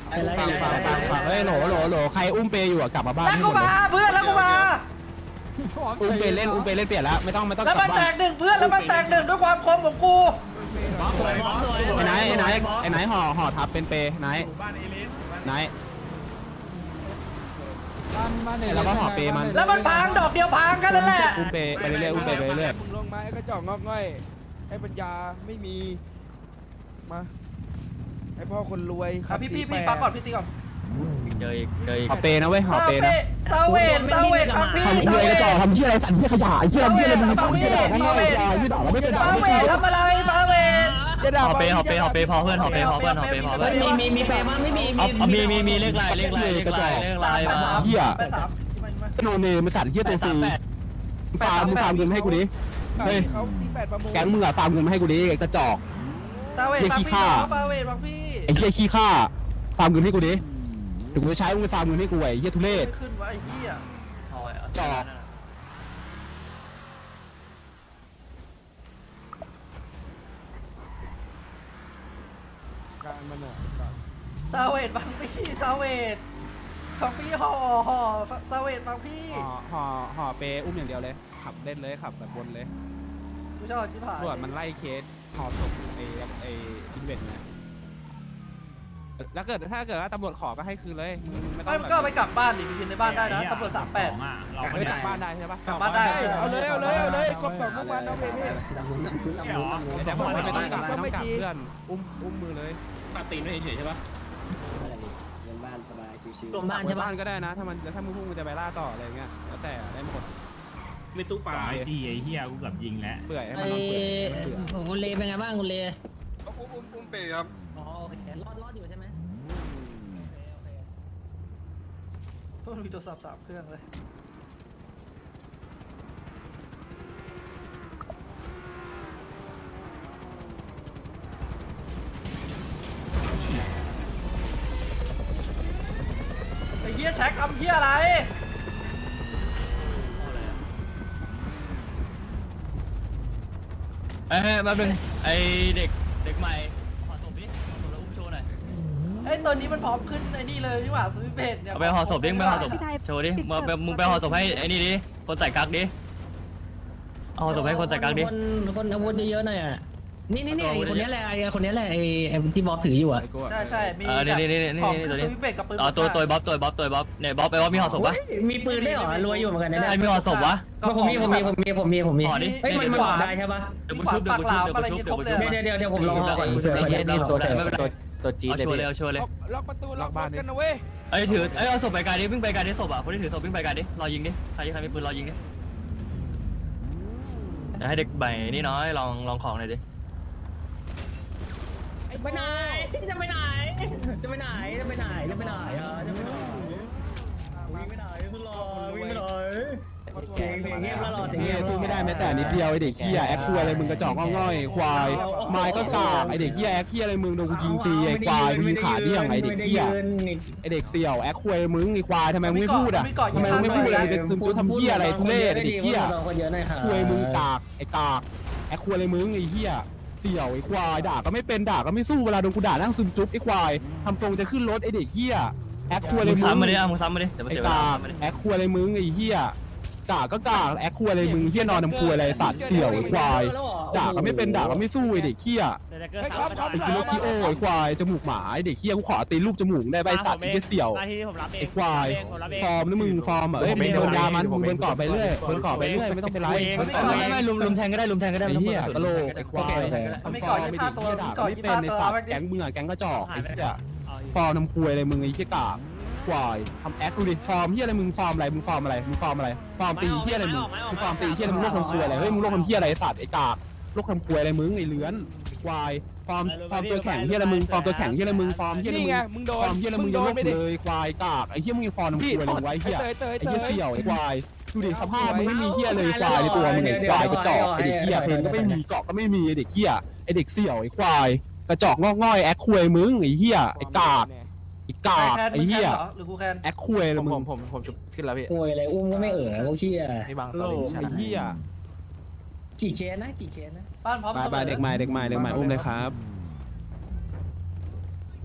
เฮ้ยโหลใครอุ้มเปย์อยู่อะกลับมาบ้านแล้วกูมาเพื่อนแล้วกูมาอุ้มเปย์เล่นเปลี่ยนแล้วไม่ต้องแล้วมันแตกหนึ่งเพื่อนแล้วมันแตกหนึ่งด้วยความคมของกูไอ้ไหนห่อทับเป็นเปย์ไหนแล้วก็ห่อเปย์มันแล้วมันพังดอกเดียวพังกันนั่นแหละอุ้มเปย์ไปเรื่อยมึงลงมาไอ้กระจอกงอกง่อยไอ้ปัญญาไม่มีมาไอ้พ่อคนรวยพี่ฟังก่อนพี่ตีก่อนเจออีกห่อเปย์นะเว้ยห่อเปย์นะซาเวทฟังพี่ทำเหี้ยกระจอกทำเหี้ยอะไรสั่นเหี้ยขยะเหี้ยมึงทำเหี้ยอะไรไม่ได้ไม่ด่าเราไม่เป็นด่าซาเวททำอะไรซาเวทหอเปพอเพื่อนหอเปพอเพื่อนมีเปบ้างไม่มีเลขลายเหี้ยโนเนมาสั่นเหี้ยตัวซีฟาร์มเงินให้กูดิเฮ้ยเขา48ประมูลแก๊งมึงอะฟาร์มเงินมาให้กูดิกระจอกซาเวทฟังพี่ซาเวทฟังพี่ไอ้เหี้ยขี้ข้าฟาร์มเงินให้กูดิถึงกูจะใช้มึงไปฟาร์มเงินให้กูไอ้เหี้ยทุเรศขึ้นวะไอ้เหี้ยจอกการมันอ่ะซาเวทฟังพี่ซาเวทฟังพี่ห่อซาเวทฟังพี่ห่อเปอุ้มอย่างเดียวเลยขับเล่นเลยขับแบบวนเลยกูชอบชิบหายตำรวจมันไล่เคสห่อศพไอ้อินเวนต์ไงแล้วถ้าเกิดว่าตำรวจขอก็ให้คืนเลยมึงไม่ต้ไม่องก็ไปกลับบ้านดิไปกินในบ้านได้นะตำรวจ38 ไม่กลับบ้านได้ใช่ปะกลับบ้านได้เอาเลยครบ2พวกมันน้องเบบี้แต่บอกไม่ต้องกลับเพื่อนอุ้มมือเลยตัดตีนไม่เฉยใช่ปะรวมบ้านใช่ปะบ้านก็ได้นะถ้ามึงพุ่งมึงจะไปล่าต่ออะไรเงี้ยแล้วแต่ได้หมดไม่ตู้ปลาไอ้ที่ไอ้เหี้ยกูกับยิงแล้วเปื่อยให้มันนอนเปื่อยเปื่อยคุณเลเป็นไงบ้างคุณเลอุ้มเปย์ครับอ๋อโอเครอดอยู่ใช่ไหมมันมีโทรศัพท์3 เครื่องเลยไอ้เหี้ยแช็คทำเหี้ยอะไรมาเป็นไอเด็กใหม่ห่อศพดิแล้วอุ้มโชว์หน่อยไอ้ตัวนี้มันพร้อมขึ้นไอ้นี่เลยนี่หว่าสวิตเพจเนี่ยเอาไปห่อศพดิไปห่อศพโชว์ดิมึงไปห่อศพให้ไอ้นี่ดิคนใส่กั๊กดิห่อศพให้คนใส่กั๊กดิคนอาวุธเยอะๆหน่อยอ่ะนี่คนนี้แหละไอ้ที่บอสถืออยู่อ่ะใช่มีนี่ของคือสวิตเพจกับปืนตัวบ๊อบเนี่ยบ๊อบมีห่อศพปะมีปืนได้เหรอรวยอยู่เหมือนกันนะใครมีห่อศพวะผมมีห่อดิเฮ้ยมันห่อได้ใช่ปะเดี๋ยวบุชุบเดี๋ยวผมลองห่อก่อนตัวจีเลยเอาโชว์เลยล็อกประตูล็อกบ้านกันนะเว้ยไอ้ถือไอ้เอาศพไปไกลดิวิ่งไปไกลดิศพอ่ะคนที่ถือศพวิ่งไปไกลดิรอยิงดิใครมีปืนรอยิงดิให้เด็กใบนี่น้อยลองของหน่อยดิไปไหนจะไปไหนวิ่งไปไหนมึงรอวิ่งไปไหนเสียงเงียบแล้วรอเสียงเงียบสู้ไม่ได้แม้แต่นิดเดียวไอเด็กเหี้ยแอคควายอะไรมึงกระจอกง่อยควายไม้ก็กากไอเด็กเหี้ยแอคเหี้ยอะไรมึงโดนกูยิงฟรีไอควายมึงยิงขาเดี่ยงไอเด็กเหี้ยไอเด็กเสี่ยวแอคควายมึงไอควายทำไมมึงไม่พูดอ่ะทำไมมึงไม่พูดอะไรเป็นซึมจุ๊ทำเหี้ยอะไรทุเรศไอเด็กเหี้ยควายมึงกากไอกากแอคควายอะไรมึงไอเหี้ยเสี่ยวไอควายด่าก็ไม่เป็นด่าก็ไม่สู้เวลาโดนกูด่านั่งซึมจุ๊บไอควายทำทรงจะขึ้นรถไอเด็กเหี้ยแอคควายอะไรมึงซ้ำมาดิมึงซ้ำมาดิเดี๋ยวมาไอ้เสียเวกาลาแอคควายอะไรมึงไอ้เหี้ยจ่าก็กากแอคควายอะไรมึงเหี้ยนอนน้ำควายอะไรสัตว์เดี่ยวไอ้ควายจ่าก็ไม่เป็นด่าก็ไม่สู้ไอ้เด็กเหี้ยไอ้ครับไอ้กิโลกิโอไอ้ควายจมูกหมาไอ้เด็กเหี้ยกูขอตีรูปจมูกได้ใบสัตว์ไอ้เหี้ยเสี่ยวไอ้ควายฟอร์มนะมึงฟอร์มเอ้ยมึงโดนยามันมึงเบิร์นก่อไปเรื่อยเบิร์นก่อไปเรื่อยไม่ต้องเป็นไรไม่ลุมแทงก็ได้ลุมแทงก็ได้ไอ้เหี้ยกะโหลกไอ้ควายทำฟอร์มไม่ดีเหี้ยด่าไม่เป็นในสัตว์แก๊งมึงอะแก๊งกระจอกไอ้เหี้ยฟอร์มน้ำควายอะไรมึงไอ้เหี้ยกากควายทำแอคดูดิฟอร์มเฮียอะไรมึงฟอร์มอะไรมึงฟอร์มอะไรมึงฟอร์มอะไรฟอร์มตีเฮียอะไรมึงฟอร์มตีเฮียอะไรมึงโลกทำครัวอะไรเฮ้ยมึงโลกทำเฮียอะไรสัตว์ไอ้กากโลกทำครัวอะไรมึงไอ้เลื้อนไอ้ควายฟอร์มตัวแข็งเฮียอะไรมึงฟอร์มตัวแข็งเฮียอะไรมึงฟอร์มเฮียอะไรนี่มึงไงมึงโดฟนอร์มเฮียอะไรมึงยังโลกเลยควายกากไอ้เฮียมึงยังฟอร์มทำครัวอะไรมึงไว้เฮียไอ้เฮียเสี่ยวไอ้ควายดูดิสภาพมึงไม่มีเฮียเลยควายในตัวมึงไอ้ควายกระจอกไอ้เด็กเฮียเพลงก็ไม่มีเกาะก็ไม่มีไอ้เด็กเฮียไอ้เด็กเสี่ยวไอ้ควายกระจอกงอกง่อยแอคควยมึงไอ้เฮียไอ้กากไอ้กากไอ้เหี้ยหรือกูแคนแอคควยเลยมึงผมชุบขึ้นแล้วพี่โวยอะไรอุ้มก็ไม่พวกเชี่ยให้บางโลสลิงไอ้เหี้ยกี่เคสนะบ้านพร้อมบายเด็กใหม่อุ้มเลยครับ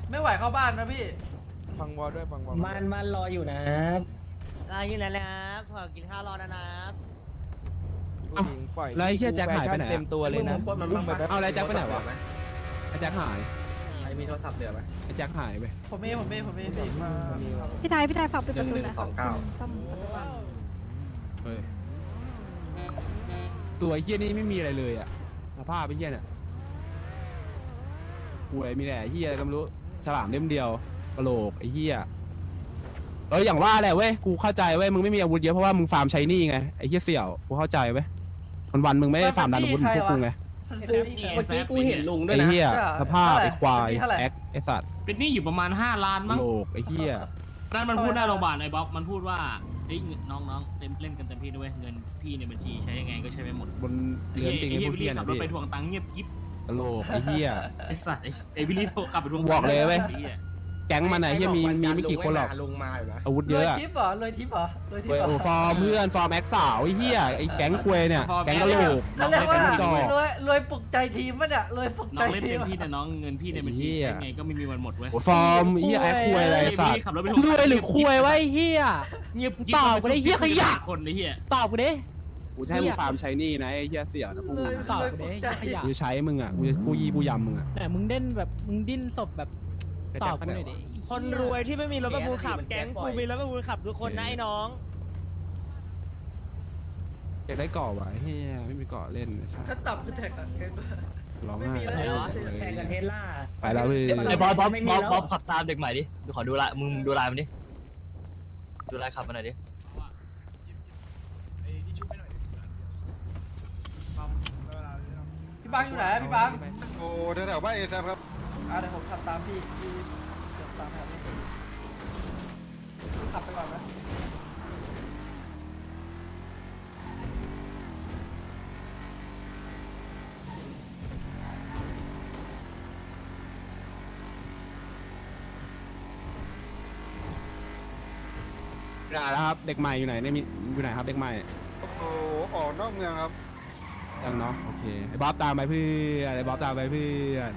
ไม่ไหวเข้าบ้านนะพี่ฟังวอลด้วยฟังวอลมันรออยู่นะอะไรอยู่แล้วนะครับขอกินข้าวรอนะครับผู้หญิงปล่อยแล้วไอ้เหี้ยแจ็คหายไปไหนอะเต็มตัวเลยนะอุ้มไปแบบเอาอะไรแจ็คไปไหนวะไอ้แจ็คหายมีโทรศัพท์เหลือไหมไอ้แจ็คหายไปผมเองพี่มาพี่ไทยฝากปิดประตูหน่อยครับ 1129 ซ่อมประตูบ้านเฮ้ยตัวไอ้เหี้ยนี่ไม่มีอะไรเลยอะสภาพไอ้เหี้ยเนี่ยป่วยมีแต่ไอ้เหี้ยก็ไม่รู้ฉลามเล่มเดียวกระโหลกไอ้เหี้ยอย่างว่าแหละเว้ยกูเข้าใจเว้ยมึงไม่มีอาวุธเยอะเพราะว่ามึงฟาร์มใช้นี่ไงไอ้เหี้ยเสี่ยวกูเข้าใจเว้ยวันมึงไม่ได้ฟาร์มดันอาวุธเหมือนพวกกูไงเมื่อกี้กูเห็นลุงด้วยไอ้นะเหี้ยสภาพไอ้ควายแอคไอ้สัตว์เป็นหนี่อยู่ประมาณ5 ล้านกระมั้งโหลกไอ้เหี้ยนั่นมันพูดหน้าโรงพยาบาลไอ้บ๊อบมันพูดว่าเฮ้ยน้องๆเล่นกันเต็มที่ด้วยเงินพี่ในบัญชีใช้ยังไงก็ใช้ไปหมดบนเรือนจริงไอ้พวกพี่เหี้ยขันะบรถพี่ไปทวงตังค์เงียบกิ๊บกระโหลกไอ้เหี้ยไอ้สัตว์ไอ้วิลลี่โทรกลับไปทวงบอกเลยเว้ยไอ้หี้แก๊งมันไหนที่มีไม่กี่คนหรอกลุงมาอยู่นะอาวุธรเยวยอะอะทิปเหรอรวยทิปเหรอรวยทิปเว้ยเหรอโอ้ฟอร์มเพื่อนฟอร์มแอคสาวไอ้เหี้ยไอ้แก๊งควยเนี่ยแก๊งกระโหลกเขาเรียกว่าจอกรวยปลุกใจทีมปะเนี่ยรวยปลุกน้ใจองเล่นทีเต็มมที่แต่น้องเงินพี่ในบัญชีเหี้ยใช้ไงก็ไม่มีวันหมดเว้ยโอ้ฟอร์มไอ้เหี้ยแอคควยอะไรไอ้สัวิลตลี่ว์ขับรถไปทวงรวยหรือคุยไว้เฮียเงียบเปล่ากูได้เหี้ยขยะคนไอ้เหี้ยตอบกูดิกูจะให้มึงฟาร์มใช้นี่นะไอ้เหี้ยเสี่ยวนะพวกมึงตอบรวยกูปลุดิกใจขยะกูจะใช้มึงอ่ะกูยีกูยำมึงอ่ะแต่มึงเด่นแบบมึงดิ้นศพแบบตอบกูหน่อยดิคนรวยที่ไม่มีรถประมูลขับแก๊งกูมีรถประมูลขับทุกคนนะไอ้น้องอยากได้เกาะวะไอ้เหี้ยไม่มีเกาะเล่นไอ้สัตว์ถ้าต่ำคือแท็กอะเกมร้องไม่ไห้มีแล้วแชร์กับเทสลาไปแล้วเว้ยไอ้บ๊อบไม่มีแล้วขับตามเด็กใหม่ดิดูขอดูลายมึงดูลายมันดิดูลายขับมันหน่อยดิพี่บังอยู่ไหนพี่บังโอ้แถวๆบ้านเอแซมครับเดี๋ยวผมขับตามพี่เดี๋ยวตามแบบนี้ขับไปก่อนนะอยู่ไหนแล้วครับเด็กใหม่อยู่ไหนเนี่ยมีอยู่ไหนครับเด็กใหม่โอ้ออกนอกเมืองครับยังเนาะโอเคไอ้บ๊อบตามไปเพื่อนไอ้บ๊อบตามไปเพื่อน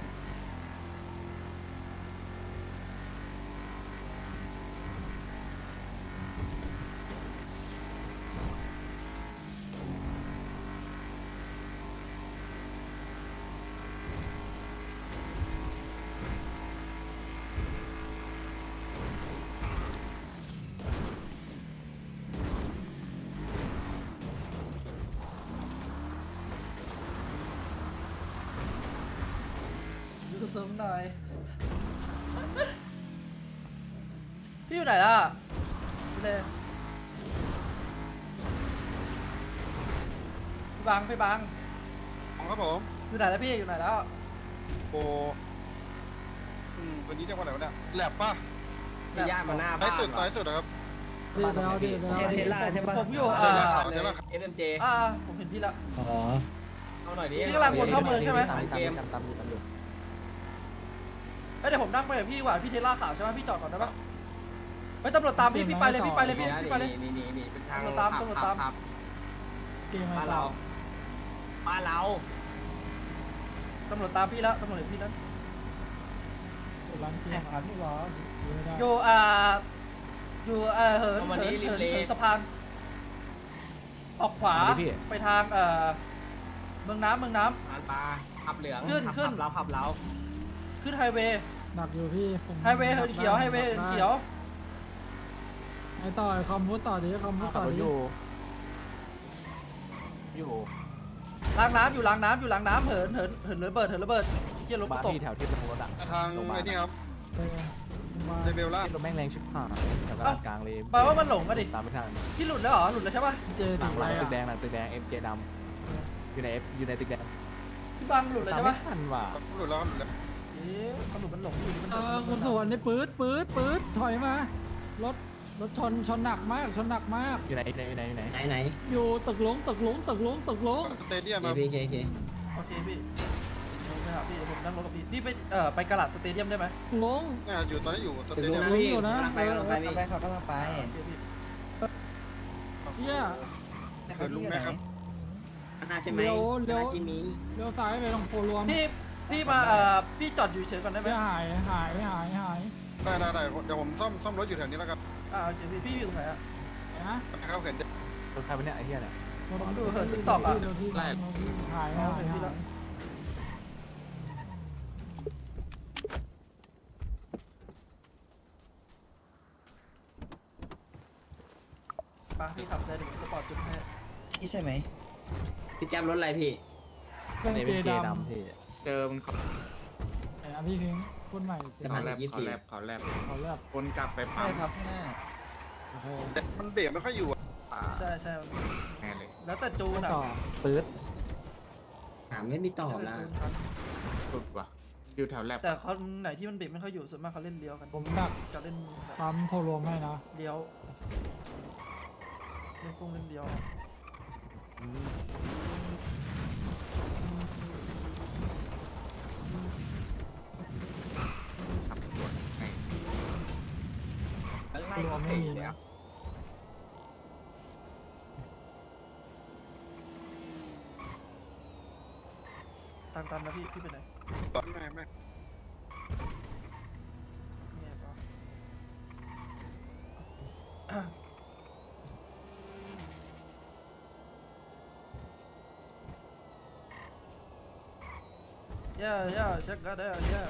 ดูซุ้มหน่อยพี่อยู่ไหนล่ะเลยพี่บังครับผมอยู่ไหนแล้วพี่อยู่ไหนแล้วโอ้วันนี้เรียกว่าอะไรวะเนี่ยแลบป่ะพี่ย่ามาหน้าซ้าบ้าย นสุดซ้ายสุดนะครับเทสลาใช่ปะผมอยู่เดี๋ยวเราข่าวเดี๋ยวเราเอ็มเจผมเห็นพี่ละอ๋อเอาหน่อยดิพี่กำลังวนเข้าเมืองใช่ไหมตามเกมเดี๋ยวผมนั่งไปกับพี่ดีกว่าพี่เทสลาขาวใช่ไหมพี่จอดก่อนได้ปะเฮ้ยตำรวจตามพี่ไปเลยพี่ไปเลยพี่ไปเลยนี่เป็นทางตำรวจตามบ้านเราบ้านเราตำรวจตามพี่แล้วตำรวจเห็นพี่แล้วอยู่อยู่เหินสะพานออกขวาไปทางเมืองน้ำบ้านปลาขับเหลืองขึ้นเราขับเราขึ้นไฮเวย์หนักอยู่พี่ไฮเวย์เหินเขียวไฮเวย์เหินเขียวไอต่อคอมพูดต่อดิคอมพูดต่อดิอยู่ล้างน้ำอยู่ล้างน้ำเหินระเบิดเกี่ยวรถตกทางไอ้นี่ครับเรเบลล่าแปลว่ามันหลงกันดิพี่หลุดแล้วเหรอหลุดแล้วใช่ปะเจอถึงไรอ่ะพี่บังหลุดแล้วใช่ปะหลุดแล้วครับหลุดแล้วมันหลุดมันหลงอยู่มันคุณสวนนี่ปื๊ดถอยมารถชนหนักมากอยู่ไหนอยู่ตึกหลงสเตเดียมครับโอเคพี่ไปหาพี่ผมนั่งรถกับพี่ไปไปกะหลัดสเตเดียมได้ไหมหลงเนี่ยอยู่ตอนนี้อยู่สเตเดียมอยู่นะไปเขากำลังไปเฮียเกิดลุงแม่ครับหน้าใช่ไหมเลี้ยวซ้ายไปตรงโพรวมพี่พี่มาพี่จอดอยู่เฉยก่อนได้ไหมไม่หายได้เดี๋ยวผมซ่อมรถอยู่แถวนี้แล้วกันโอเคพี่อยู่ตรงไหนอะนะครับเห็นรถใครเป็นเนี่ยไอ้เหี้ยเนี่ยผมดูเหินติ๊กต็อกอะหายเห็นพี่แล้วไปพี่ขับได้เดี๋ยวผมสปอร์ตจุดให้นี่ใช่ไหมพี่แก๊ปรถอะไรพี่เป็นเจดำเจอมึงขับไอ้นะพี่พิงพูดใหม่จะผ่านอีก24 เขาแลบวนกลับไปใช่ครับข้างหน้าโอเคมันเบรกไม่ค่อยอยู่อะใช่แน่เลยแล้วแต่จูนอะต่อปื๊ดถามไม่มีตอบแล้วละแต่จูนครับสุดว่ะอยู่แถวแลบแต่คนไหนที่มันเบรกไม่ค่อยอยู่ส่วนมากเขาเล่นเลี้ยวกันผมดักจะเล่นแบบปั๊มโพรวมให้นะเลี้ยวเล่นกุ้งเล่นเลี้ยวขับรถให้โพรวมไม่มีนะตามนะพี่ไปไหนไม่เนี่ยปะcheck that out yeah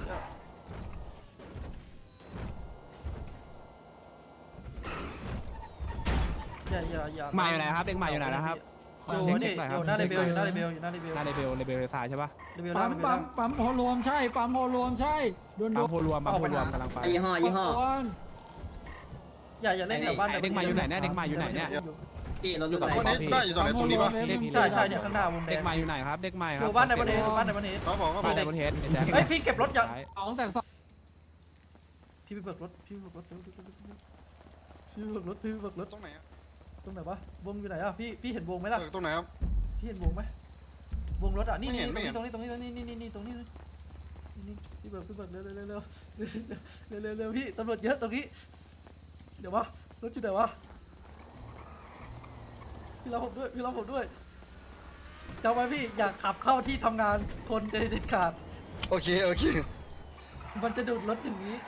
อย่ามาอยู่ไหนครับเด็กมาอยู่ไหนนะครับอยู่นี่อยู่หน้าเรเบลอยู่หน้าเรเบลอยู่หน้าเรเบลหน้าเลเบลซ้ายใช่ปะเรเบลปั๊ล่างมเรเบลปั๊ล่าม งปั๊มโพรวมใช่ปั๊มโพรวมใช่โดนปั๊มโพรวมกำลังไปยี่ห้ออย่าเล่นแถวบ้านเด็กมาอยู่ไหนเนี่ยเด็กมาอยู่ไหนเนี่ยพี่รถอยู่ไหนคนนี้ได้อยู่ตรงไหนตรงนี้ปะใช่เนี่ยข้างหน้าวงแดเด็กงมาอยู่ไหนครับเด็กมาคอรับยู่บ้านในประเทศบ้านในประเทศเขาบอกบ้านในประเทศเฮ้ยพี่เก็บรถอย่าสองแต่สองพี่ไปเบิกรถพี่ไปเบิกรถเร็วตรงไหนอะตรงไหนวะวงอยู่ไหนอ่ะพี่เห็นวงไหมล่ะตรงไหนครับพี่เห็นวงไหมวงรถอ่ะนี่ไม่เห็นตรงนี้พี่เบิกเร็วพี่ตำรวจเยอะตรงนี้เดี๋ยววะรถอยู่ไหนวะพี่รับผมด้วยจำไว้พี่อยากขับเข้าที่ทำงานคนเด็ดขาดโอเคมันจะดูดรถอย่างนี้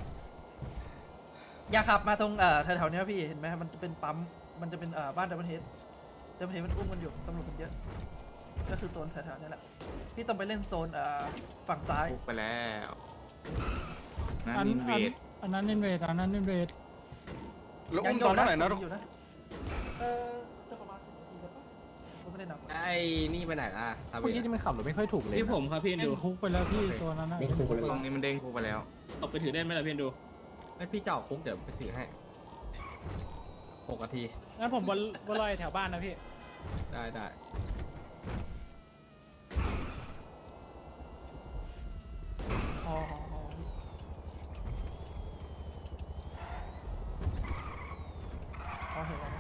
อย่าขับมาตรงแถวๆนี้พี่เห็นไหมมันจะเป็นปั๊มมันจะเป็นบ้านดับเบิลเฮดมันอุ้มกันอยู่ตำรวจมันเยอะก็คือโซนแถวๆนี้แหละพี่ต้องไปเล่นโซนฝั่งซ้ายไปแล้วนั่นอันนินเวดอันนั้นนินเวดแล้วอุ้มตอนเท่าไหร่นะอยู่นะจะประมาณ10 นาทีแล้วปะผมไม่ได้นับไอ้นี่ไปไหนล่ะเมื่อกี้ที่มันขับรถไม่ค่อยถูกเลยพี่ผมครับพี่เล่ดูนคุกไปแล้วพี่ตัวนั้นนะตรงนี้มันเด้งกูไปแล้วตกไปถือได้ไหมล่ะพี่ดูให้พี่เจ้าคุกเดี๋ยวไปถือให้6 นาทีงั้นผมบนลอยแถวบ้านนะพี่ได้อ๋อเห็นแล้ว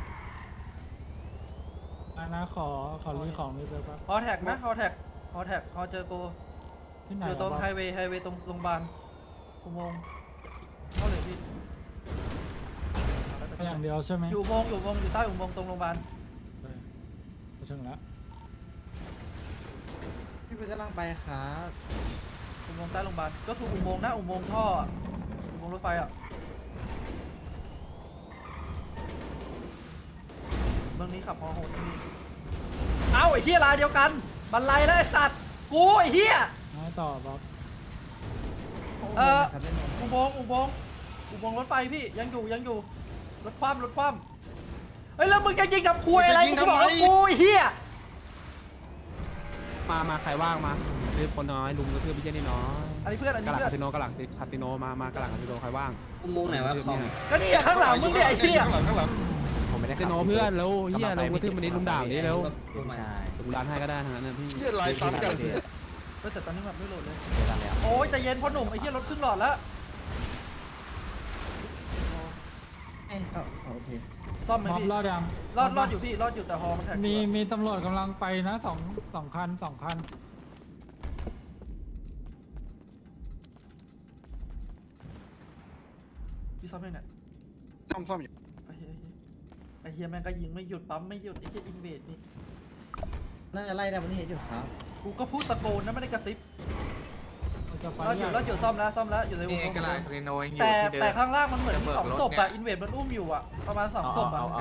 นะขอรีของนิดเดียวครับฮอแท็กไหมฮอแท็กฮอเจอโกที่ไหนอยู่ตรงไฮเวย์ตรงโรงพยาบาลอุโมงค์เข้าเลยพี่อย่างเดียวใช่ไหมอยู่อุโมงค์อยู่ใต้อุโมงค์ตรงโรงพยาบาลถึงแล้วพี่ไปกำลังไปครับอุโมงค์ใต้โรงพยาบาลก็คืออุโมงค์นะอุโมงค์ท่ออะอุโมงค์รถไฟอ่ะเมืองนี้ขับฮอโหดที่นี่เอ้าไอ้เหี้ยลายเดียวกันบันไลแล้วไอ้สัตว์กูไอ้เหี้ยน้อยต่อบ๊อบอุโมงค์รถไฟพี่ยังอยู่รถคว่ำเฮ้ยแล้วมึงจะยิงทำคุยอะไรมึงบอกแล้วกูไอ้เหี้ยมาใครว่างมาคือคนน้อยลุงก็คือพี่เจนี่น้อยอันนี้เพื่อนกระหลังคาสิโนกระหลังคาสิโนมากระหลังคาสิโนใครว่างอุโมงค์ไหนวะของก็นี่ข้างหลังมึงเนี่ยไอ้เหี้ยข้างหลังผมไม่ได้คาสิโนเพื่อนแล้วเฮียลงกระทืบมันนี้ลุงด่าวันนี้แล้วใช่ลุงด่าให้ก็ได้ทั้งนั้นนะพี่เหี้ยลายซ้ำกันแต่ตอนนี้แบบไม่โหลดเลยโอ้ยใจเย็นพ่อหนุ่มไอ้เหี้ยรถครึ่งหลอดแล้วโอเคซ่อมไหมบ๊อบพี่รอดยังรอดอยู่พี่รอดอยู่แต่ฮอมันแท็กมีตำรวจกำลังไปนะสองคันพี่ซ่อมยังไงซ่อมอยู่ไอ้เหี้ยแม่งก็ยิงไม่หยุดปั๊มไม่หยุดไอ้เหี้ยอินเวดนี่น่าจะไล่ได้มันเห็นอยู่ครับกูก็พูดตะโกนนะไม่ได้กระติบจะไปเราอยู่ซ่อมแล้วอยู่ในวงแต่ข้างล่างมันเหมือนมีสองศพอะอินเวดมันอุ้มอยู่อะประมาณ2ศพอะ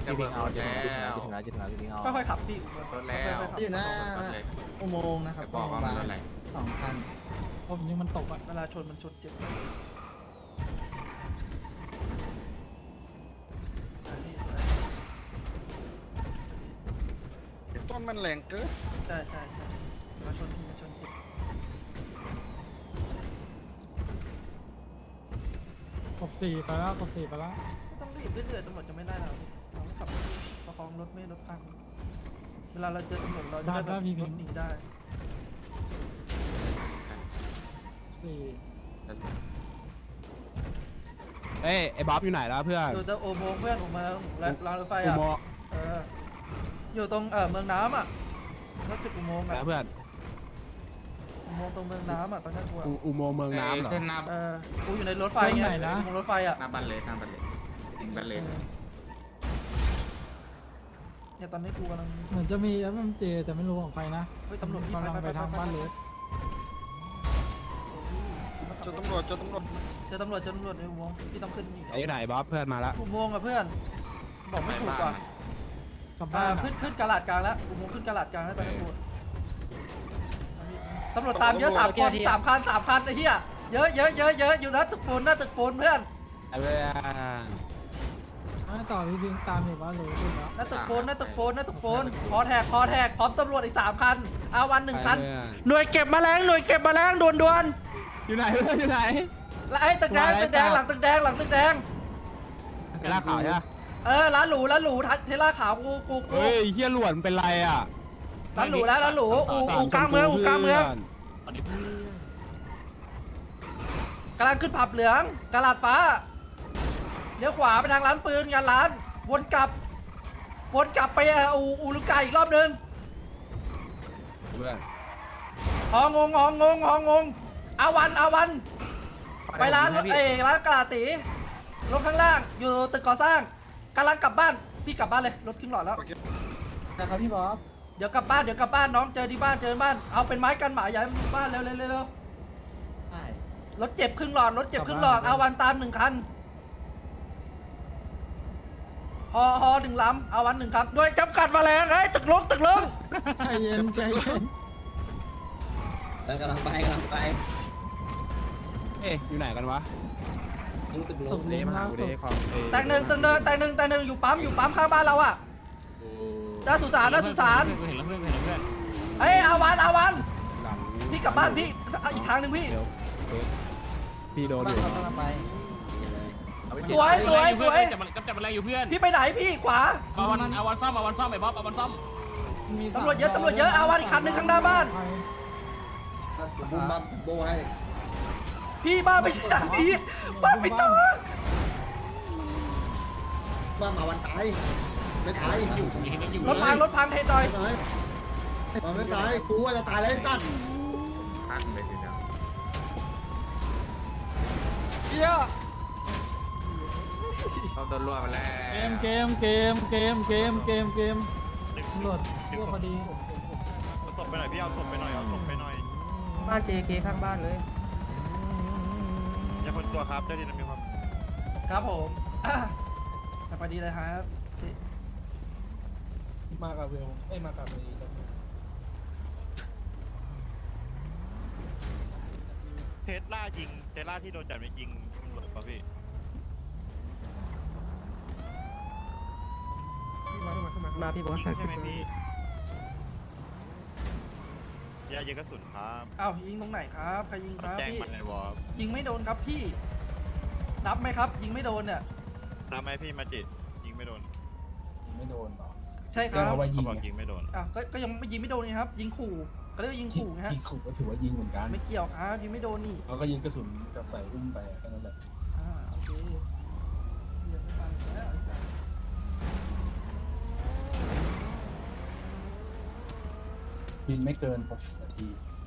ค่อยๆขับพี่ค่อยๆขับอยู่หน้าอุโมงค์นะครับบอกว่ามันอะไร2,000 ผมยังมันตกอ่ะเวลาชนมันชนเจ็บสวยต้นมันแรงเกินใช่มาชนทีมาชนเจ็บกบ4ไปแล้วกบ4ไปแล้วไม่ต้องรีบเรื่อยๆตำรวจจะไม่ไล่เราเราขับประคองรถไม่ให้รถพังเวลาเราเจอตำรวจเราจะได้แบบรถหนีได้ 4 เอ้ยไอ้บ๊อบอยู่ไหนแล้วเพื่อนอยู่ตรงโอโมงเพื่อนผมมารางรถไฟอุอ่ะโมงค์อยู่ตรงเมืองน้ำอ่ะรถจุดอุโมงค์อ่ะนะเพื่อนอุโมงค์ตรงเมืองน้ำอ่ะตอนนั้นกูอ่ะอุโมงค์เมืองน้ำเหรอกูอยู่ในรถไฟไงอุโมงค์รถไฟอ่ะหน้าบันเลยเนี่ยตอนนี้กูกำลังเหมือนจะมี FMJ แต่ไม่รู้ของใครนะเฮ้ยตำรวจกำลังไปทางบ้านเลสเจอตำรวจเจอตำรวจในอุโมงค์ที่ต้องขึ้นอีกไอ้ไหนบ๊อบเพื่อนมาละอุโมงค์อ่ะเพื่อนบอกไม่ถูกว่ะกลับบ้านขึ้นกระลาดกลางแล้วอุโมงค์ขึ้นกระลาดกลางแล้วตอนนี้ตำรวจตามเยอะ3 คน3 คันไอ้เหี้ยเยอะอยู่นะตึกปูนเพื่อนไอ้เพื่อนไม่ต่อพี่พิงตามอยู่บ้านเลยขึ้นแล้วหน้าตึกปูนพอแท็กพร้อมตำรวจอีก3 คันอาวัน1 คันหน่วยเก็บแมลงด่วนอยู่ไหนเพื่อนอยู่ไหนแล้วไอ้ตึกแดงหลังตึกแดงไอ้ล่าขาวใช่ปะร้านหรูเทล่าขาวกูเฮ้ยเฮียหลวนเป็นไรอ่ะร้านหรูอูกลางเมืองกำลังขึ้นผับเหลืองกระลาดฟ้าเลี้ยวขวาไปทางร้านปืนงานร้านวนกลับไปอูลูกไก่อีกรอบนึงเพื่อนหองงอาวันไปร้านร้านกระลาตีรถข้างล่างอยู่ตึกก่อสร้างกำลังกลับบ้านพี่กลับบ้านเลยรถครึ่งหลอดแล้วนะครับพี่บ๊อบเดี๋ยวกลับบ้านน้องเจอที่บ้านเอาเป็นไม้กันหมาใหญ่บ้านเร็วใช่รถเจ็บครึ่งหลอดเอาวันตาม1 คันฮอ1 ลำเอาวัน1 คันด้วยจำกัดแมลงตึกลงใจเย็นแล้วกำลังไปเอ๊ะอยู่ไหนกันวะตกเลนมากูได้ของแต่งหนึ่งอยู่ปั๊มข้างบ้านเราอ่ะหน้าสุสานเห็นแล้วเพื่อนเอาวันหลังพี่กลับบ้านพี่อีกทางหนึ่งพี่เดี๋ยวพี่โดนอยู่กำลังไปสวยจับแมลงอยู่เพื่อนพี่ไปไหนพี่ขวาเอาวันซ่อมไอ้บ๊อบเอาวันซ่อมตำรวจเยอะเอาวันอีกคันหนึ่งข้างหน้าบ้านบุ้มบัมโบให้พี่บ้านไม่ใช่ทางนี้บ้านไปต่อบ้ามาวันตายไม่ตายอยู่รถพังเทหน่อยมันไม่ตายกูว่าจะตายแล้วตั้นเหี้ยเขาโดนรัวมาแล้วเกมตำรวจทั่วพอดีศพไปหน่อยพี่เอาศพไปหน่อยบ้านเจข้างบ้านเลยอย่าคนตัวครับเจ้าดินมีความครับผมไปดีเลยครับมากับเวลมากับเทสลาที่โดนจับไปยิงตำรวจป่ะพี่มาพี่บอสใช่ไหมพี่ยาเยกระสุนครับอ้าวยิงตรงไหนครับใครยิงครับแจ้งพี่มันในวอลยิงไม่โดนครับพี่นับไหมครับ ยิงไม่โดนเนี่ยทำไมพี่มาจิตยิงไม่โดนไม่โดนหรอใช่ครับเขาบอกยิงไม่โดนอ้าวก็ยังไม่ยิงไม่โดนนี่ครับ ยิงขู่ก็เรียกว่ายิงขู่ไงฮะยิงขู่ก็ถือว่ายิงเหมือนกันไม่เกี่ยวครับยิงไม่โดนนี่เขาก็ยิงกระสุนกับใส่อุ้มไปแค่นั้นแหละโอเคเดี๋ยวไม่ฟังแล้วบินไม่เกิน60 นาที